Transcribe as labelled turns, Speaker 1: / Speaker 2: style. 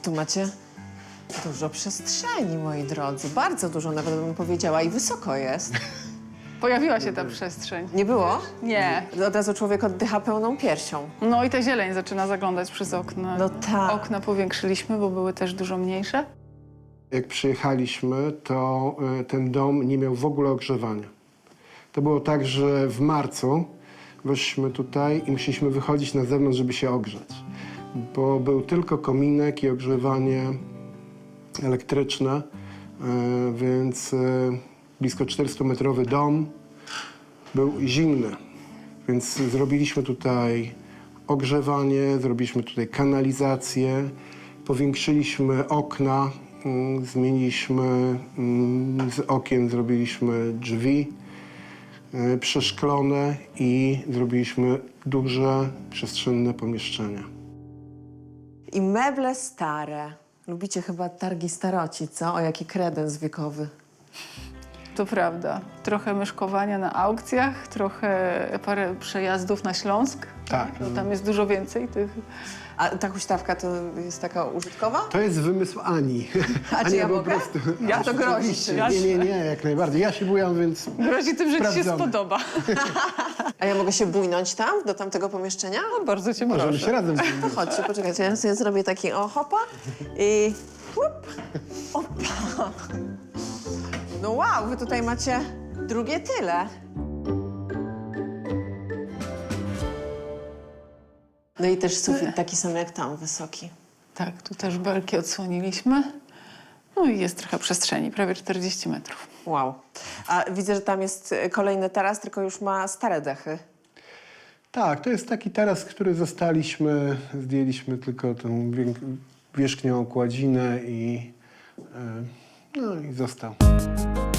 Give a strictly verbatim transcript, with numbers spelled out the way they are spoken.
Speaker 1: tu macie dużo przestrzeni, moi drodzy. Bardzo dużo, nawet bym powiedziała. I wysoko jest.
Speaker 2: Pojawiła się ta przestrzeń.
Speaker 1: Nie było?
Speaker 2: Nie.
Speaker 1: Od razu człowiek oddycha pełną piersią.
Speaker 2: No i ta zieleń zaczyna zaglądać przez okno.
Speaker 1: No tak.
Speaker 2: Okna powiększyliśmy, bo były też dużo mniejsze.
Speaker 3: Jak przyjechaliśmy, to y, ten dom nie miał w ogóle ogrzewania. To było tak, że w marcu weszliśmy tutaj i musieliśmy wychodzić na zewnątrz, żeby się ogrzać. Bo był tylko kominek i ogrzewanie elektryczne, y, więc y, blisko czterystumetrowy dom był zimny. Więc zrobiliśmy tutaj ogrzewanie, zrobiliśmy tutaj kanalizację, powiększyliśmy okna, mm, zmieniliśmy mm, z okien, zrobiliśmy drzwi y, przeszklone i zrobiliśmy duże, przestrzenne pomieszczenia.
Speaker 1: I meble stare. Lubicie chyba targi staroci, co? O, jaki kredens wiekowy.
Speaker 2: To prawda. Trochę myszkowania na aukcjach, trochę parę przejazdów na Śląsk.
Speaker 3: Tak.
Speaker 2: No, tam jest dużo więcej tych...
Speaker 1: A ta huśtawka to jest taka użytkowa?
Speaker 3: To jest wymysł Ani.
Speaker 1: A czy
Speaker 3: Ania
Speaker 1: ja
Speaker 3: po
Speaker 1: mogę?
Speaker 3: prostu.
Speaker 1: Ja to grozi.
Speaker 3: Oczywiście.
Speaker 2: Ja
Speaker 3: Nie, nie,
Speaker 2: się-
Speaker 3: nie, jak najbardziej. Ja się bujam, więc
Speaker 2: Grozi tym, że ci się
Speaker 3: Sprawdzone.
Speaker 2: spodoba.
Speaker 1: A ja mogę się bójnąć tam, do tamtego pomieszczenia?
Speaker 2: No, bardzo cię
Speaker 3: możemy
Speaker 2: proszę.
Speaker 3: się razem
Speaker 1: To
Speaker 3: zbudować.
Speaker 1: chodźcie, poczekajcie, ja sobie zrobię taki o hopa i łup, opa. No wow, wy tutaj macie drugie tyle. No i też sufit taki sam jak tam, wysoki.
Speaker 2: Tak, tu też belki odsłoniliśmy. No i jest trochę przestrzeni, prawie czterdzieści metrów.
Speaker 1: Wow. A widzę, że tam jest kolejny taras, tylko już ma stare dechy.
Speaker 3: Tak, to jest taki taras, który zostaliśmy, zdjęliśmy tylko tą wiek- wierzchnią okładzinę i, e, no i został.